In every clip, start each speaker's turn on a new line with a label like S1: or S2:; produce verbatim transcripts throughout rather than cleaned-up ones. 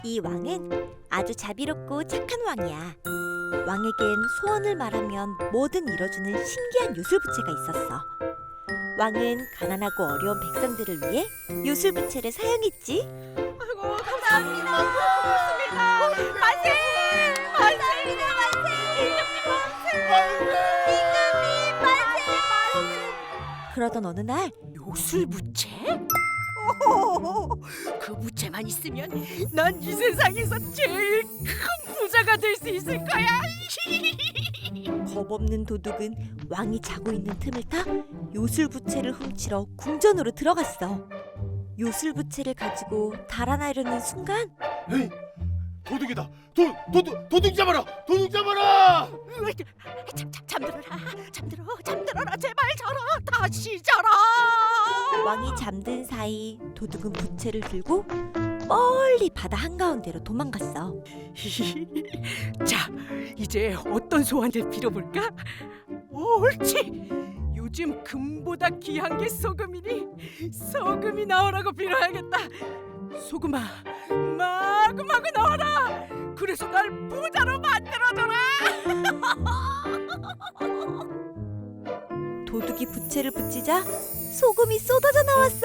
S1: 이 왕은 아주 자비롭고 착한 왕이야. 왕에겐 소원을 말하면 뭐든 이뤄주는 신기한 요술부채가 있었어. 왕은 가난하고 어려운 백성들을 위해 요술부채를 사용했지.
S2: 아이고 감사합니다. 고맙습니다. 만세! 만세!
S1: 그러던 어느 날
S2: 요술부채? 그 부채만 있으면 난 이 세상에서 제일 큰 부자가 될 수 있을 거야.
S1: 겁없는 도둑은 왕이 자고 있는 틈을 타 요술부채를 훔치러 궁전으로 들어갔어. 요술부채를 가지고 달아나려는 순간
S3: 에이, 도둑이다. 도 도둑 도둑 잡아라. 도둑 잡아라.
S2: 잠, 잠, 잠들어라. 잠들어. 잠들어라. 제발 자라. 다시 자라.
S1: 왕이 잠든 사이 도둑은 부채를 들고 멀리 바다 한가운데로 도망갔어.
S2: 자, 이제 어떤 소원을 빌어볼까? 옳지. 요즘 금보다 귀한 게 소금이니 소금이 나오라고 빌어야겠다. 소금아, 마구마구 나와라. 그래서 날 부자로 만들어줘라.
S1: 도둑이 부채를 붙이자 소금이 쏟아져 나왔어.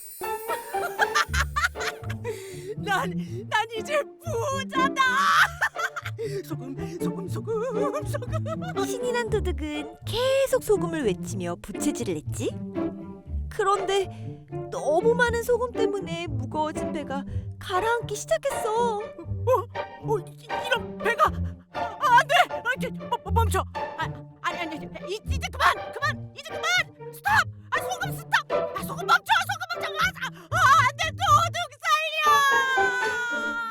S2: 난, 난 이제 부자다. 소금, 소금, 소금, 소금.
S1: 신이 난 도둑은 계속 소금을 외치며 부채질을 했지. 그런데 너무 많은 소금 때문에 무거워진 배가 가라앉기 시작했어.
S2: 어, 어, 이- 이런 배가 아, 안 돼. 아, 이렇게 멈- 멈춰. 아, 아니 아니 아니. 이- 이제 그만, 그만, 이제 그만.